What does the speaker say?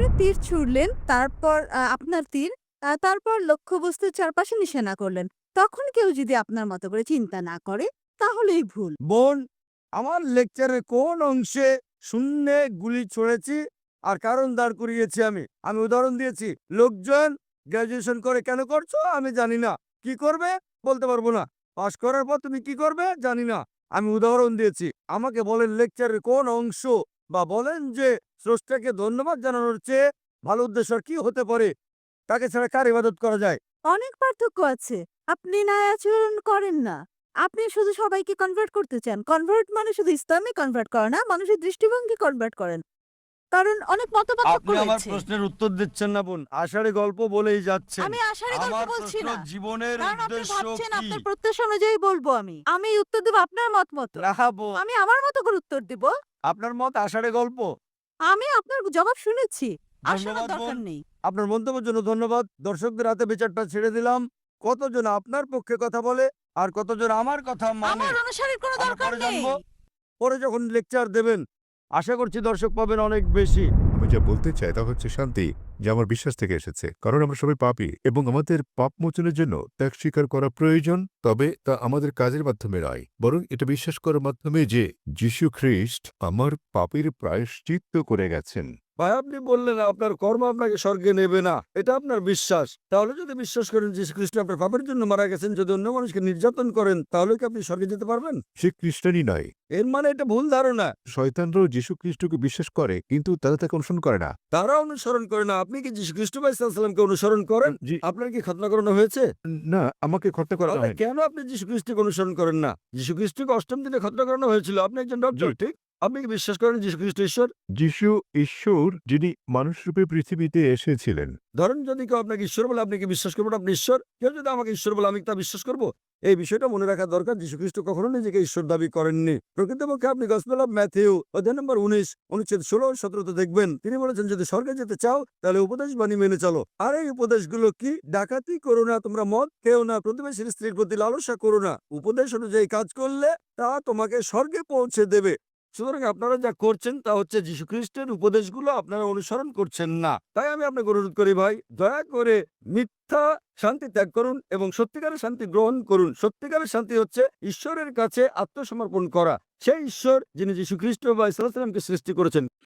আপনি তীর ছুড়লেন, তারপর আপনার তীর, তারপর লক্ষ্যবস্তুর চারপাশে নিশানা করলেন। তখন কেউ যদি আপনার মতো করে চিন্তা না করে, তাহলেই ভুল। বোন, আমার লেকচারের কোন অংশে শূন্যে গুলি ছুঁড়েছি আর কারণ দাঁড় করিয়েছি আমি উদাহরণ দিয়েছি। লোকজন গ্র্যাজুয়েশন করে কেন করছো আমি জানি না, কি করবে বলতে পারবো না, পাশ করার পর তুমি কি করবে জানি না, আমি উদাহরণ দিয়েছি। আমাকে বলেন লেকচারের কোন অংশ বা বলেন যে স্রষ্টাকে ধন্যবাদ জানানোর চেয়ে ভালো উদ্দেশ্য আর কি হতে পারে? তাকে ছাড়া কার ইবাদত করা যায়? অনেক পার্থক্য আছে। আপনি ন্যায় আচরণ করেন না। আপনি শুধু সবাইকে কনভার্ট করতে চান। কনভার্ট মানে শুধু ইসলামে কনভার্ট করা না, মানুষের দৃষ্টিভঙ্গি কনভার্ট করেন। কারণ অনেক মতপার্থক্য আপনি আমার রয়েছে। প্রশ্নের উত্তর দিচ্ছেন না বোন, আষাঢ়ে গল্প বলেই যাচ্ছেন। আমি আশারই গল্প আমার বলছি প্রশ্ন না। জীবনের কারণ আপনি উদ্দেশ্য ভাবছেন কি? আপনার প্রত্যাশা অনুযায়ী বলবো আমি। আমি উত্তর দেব আপনার মত মতো। না বোন, আমি আমার মতো করে উত্তর দেব। আপনার মত আষাঢ়ে গল্প। আমি আপনার জবাব শুনেছি। আর শোনার ধন্যবাদ দরকার বোন, নেই। আপনার মন্তব্যের জন্য ধন্যবাদ। দর্শকদের হাতে বিচারটা ছেড়ে দিলাম। কতজন আপনার পক্ষে কথা বলে আর কতজন আমার কথা মানে আমার অনুসারীর কোনো আমরা দরকার পরে নেই। জানবো। পরে যখন লেকচার দেবেন আশা করছি দর্শক পাবেন অনেক বেশি। আমি যা বলতে চাই তা হচ্ছে শান্তি, যা আমার বিশ্বাস থেকে এসেছে। কারণ আমরা সবাই পাপী এবং আমাদের পাপ মোচনের জন্য ত্যাগ স্বীকার করা প্রয়োজন। তবে তা আমাদের কাজের মাধ্যমে নয়, বরং এটা বিশ্বাস করার মাধ্যমে যে যীশু খ্রিস্ট আমার পাপের প্রায়শ্চিত্ত করে গেছেন। ভাই আপনি বললেন আপনার কর্ম আপনাকে স্বর্গে নেবে না, এটা আপনার বিশ্বাস। তাহলে যদি বিশ্বাস করেন যীশু খ্রিস্ট আপনার পাপের জন্য মারা গেছেন, যদি অন্য মানুষকে নির্যাতন করেন তাহলে কি আপনি স্বর্গে যেতে পারবেন? সে খ্রিস্টানই নয়। এর মানে এটা ভুল ধারণা। শয়তানরাও যীশু খ্রিস্টকে বিশ্বাস করে, কিন্তু তারা তাকে অনুসরণ করে না। তারা অনুসরণ করে না। আপনি কি যীশু খ্রিস্ট ভাই সাল্লামকে অনুসরণ করেন? জি আপনার কি খতনা করানো হয়েছে? না, আমাকে খতনা করা তাহলে হয়নি। কেন আপনি যীশু খ্রিস্টকে অনুসরণ করেন না? যীশু খ্রিস্টকে অষ্টম দিনে খতনা করানো হয়েছিল। আপনি একজন জি ডক্টর, ঠিক। আপনি কি বিশ্বাস করেন যীশু খ্রিস্ট ঈশ্বর? যীশু ঈশ্বর, যিনি মানুষরূপে পৃথিবীতে এসেছিলেন। ধরেন যদি কেউ আপনাকে ঈশ্বর বলে আপনি কি বিশ্বাস করবেন আপনি ঈশ্বর? কেউ যদি আমাকে ঈশ্বর বলে আমি তা বিশ্বাস করব? এই বিষয়টা মনে রাখা দরকার। যীশু খ্রিস্ট কখনো নিজেকে ঈশ্বর দাবি করেননি। প্রকৃতপক্ষে আপনি গসপেল অফ ম্যাথিউ অধ্যায় নম্বর 19 অনুচ্ছেদ 16-17 তে দেখবেন তিনি বলেছেন যদি স্বর্গে যেতে চাও তাহলে উপদেশ বাণী মেনে চলো। আর এই উপদেশগুলো কি? ডাকাতি করো না, তোমরা মদ খেও না, প্রতিবেশীর স্ত্রীর প্রতি লালসা করো না। উপদেশ অনুযায়ী কাজ করলে তা তোমাকে স্বর্গে পৌঁছে দেবে। সুতরাং আপনারা যা করছেন তা হচ্ছে যীশু খ্রিস্টের উপদেশগুলো আপনারা অনুসরণ করছেন না। তাই আমি আপনাকে অনুরোধ করি ভাই, দয়া করে মিথ্যা শান্তি ত্যাগ করুন এবং সত্যিকারের শান্তি গ্রহণ করুন। সত্যিকারের শান্তি হচ্ছে ঈশ্বরের কাছে আত্মসমর্পণ করা। সেই ঈশ্বর যিনি যীশু খ্রিস্ট বা ইসা সাল্লামকে সৃষ্টি করেছেন।